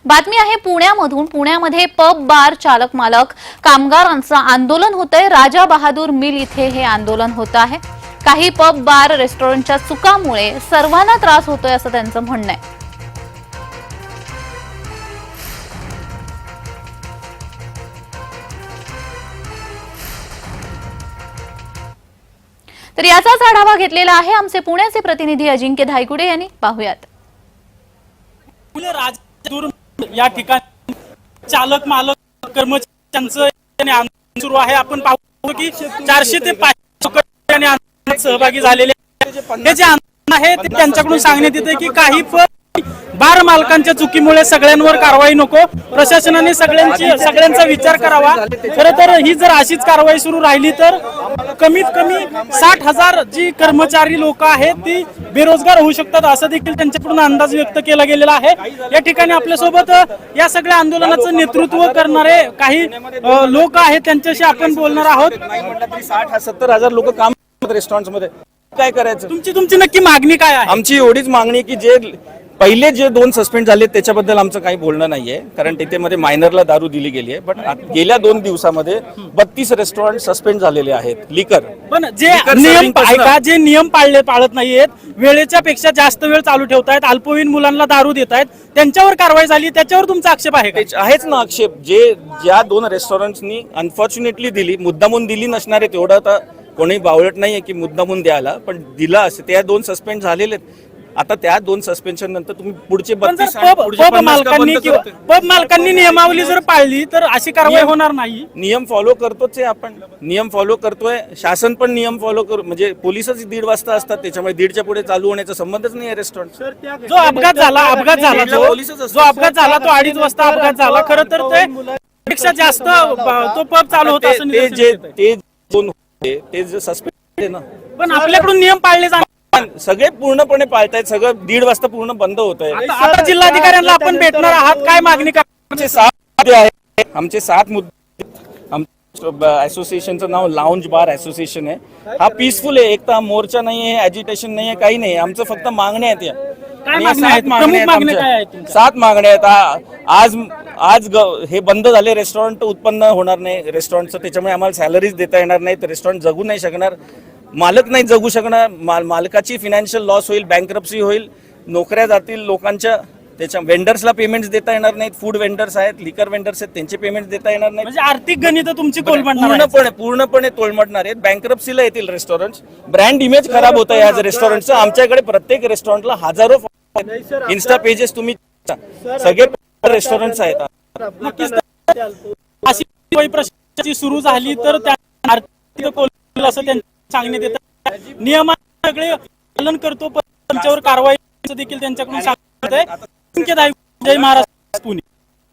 बातमी आहे पुण्यामधून। पुण्यामध्ये पब बार चालक मालक कामगारांचं आंदोलन होतंय। राजा बहादूर मिल इथे हे आंदोलन होत आहे। काही पब बार रेस्टॉरंटच्या चुकामुळे सर्वांना त्रास होतोय असं त्यांचं म्हणणं आहे। तर याचाच आढावा घेतलेला आहे आमचे पुण्याचे प्रतिनिधी अजिंक्य धायगुडे यांनी। पाहूयात। या ठिकाणी चालक मालक कर्मचाऱ्यांचं आंदोलन सुरू आहे। आपण पाहतो की 400 ते 500 आंदोलनात सहभागी झालेले हे जे आंदोलन आहे ते त्यांच्याकडून सांगण्यात येते की काही बार मालकांच्या चुकीमुळे सगळ्यांवर कारवाई नको, प्रशासनाने सगळ्यांचा विचार करावा। खरं तर ही जर अशीच कारवाई सुरू राहिली तर कमीत कमी 60,000 जी कर्मचारी लोक आहेत ती बेरोजगार होऊ शकतात असं देखील त्यांच्याकडून अंदाज व्यक्त केला गेलेला आहे। या ठिकाणी आपल्यासोबत या सगळ्या आंदोलनाचं नेतृत्व करणारे काही लोक आहेत, त्यांच्याशी आपण बोलणार आहोत। 60-70,000 लोक काम करतात रेस्टॉरंट्स मध्ये, काय करायचं? तुमची नक्की मागणी काय आहे? आमची एवढीच मागणी की जे पहिले जे 2 सस्पेंड झाले त्याच्याबद्दल आमचं काही बोलणं नाहीये, कारण तिथे मध्ये मायनरला दारू दिली गेली आहे। पण गेल्या 2 दिवसामध्ये 32 रेस्टॉरंट सस्पेंड झालेले आहेत लिकर। पण जे नियम पाळत नाहीयेत, वेळेच्या पेक्षा जास्त वेळ चालू ठेवतायत, अल्पवयीन मुलांना दारू देतायत, त्यांच्यावर कारवाई झाली, त्याच्यावर तुमचा आक्षेप आहे का? आहेच ना आक्षेप। ज्या 2 रेस्टॉरंट्सनी अनफॉर्च्युनेटली दिली, मुद्दामून दिली नसणार आहे, तेवढं तर कोणी बावळट नाहीये की मुद्दामून द्यायला, पण दिला असे त्या 2 सस्पेंड झालेले आहेत। आता त्या 2 सस्पेन्शन नंतर तुम्ही पुढचे 32 पब मालकांनी नियमावली जर पाळली तर अशी कारवाई होणार नाही। नियम फॉलो करतोच आहे आपण, नियम फॉलो करतोय, शासन पण नियम फॉलो म्हणजे पोलिसच 1:30 वाजता असतात, त्याच्यामुळे 1:30च्या पुढे चालू होण्याचा संबंधच नाही आहे रेस्टॉरंट। जो अपघात झाला तो 2:30 वाजता अपघात झाला। खरं तर ते पेक्षा जास्त तो पब चालू होता असं ते जे सस्पेंड आहे ना, पण आपल्याकडून नियम पाळले जाणार सगळे पूर्णपणे पाळतायत, सगळं 1:30 वाजता पूर्ण बंद होत आहे। आता जिल्हाधिकाऱ्यांना आपण भेटणार आहात, काय मागणी आमचे 7 मुद्दे आहेत, आमचे 7 मुद्दे। असोसिएशनचं नाव लाउंज बार असोसिएशन आहे। हा पीसफुल आहे, एक तर मोर्चा नाहीये, ॲजिटेशन नाहीये, काही नाही, आमचं फक्त मागण्या आहेत। 7 मागण्या आहेत। आज हे बंद झाले रेस्टॉरंट, उत्पन्न होणार नाही रेस्टॉरंटचं, त्याच्यामुळे आम्हाला सॅलरीज देता येणार नाही, तर रेस्टॉरंट जगू नाही शकणार, मालक नाही जगू शकणार, मालकाची फिनान्शियल लॉस होईल, बँकरप्सी होईल, नोकऱ्या जातील लोकांच्या, त्याच्या वेंडर्सला पेमेंट्स देता येणार नाहीत, फूड वेंडर्स आहेत, लिकर वेंडर्स आहेत, त्यांचे पेमेंट्स देता येणार नाहीत, म्हणजे आर्थिक गणित तुमची पूर्णपणे तोलमडणार आहेत, बँकरप्सीला येतील रेस्टॉरंट्स, ब्रँड इमेज खराब होत आहे आज रेस्टॉरंटचं। आमच्याकडे प्रत्येक रेस्टॉरंटला हजारो इन्स्टा पेजेस तुम्ही सगळे रेस्टॉरंट्स आहेत। अशी सुरू झाली तर आर्थिक असं सांगण्यात येतं, नियमांचे सगळे पालन करतो पण त्यांच्यावर कारवाई देखील त्यांच्याकडून सांगण्यात येते। जय महाराष्ट्र, पुणे।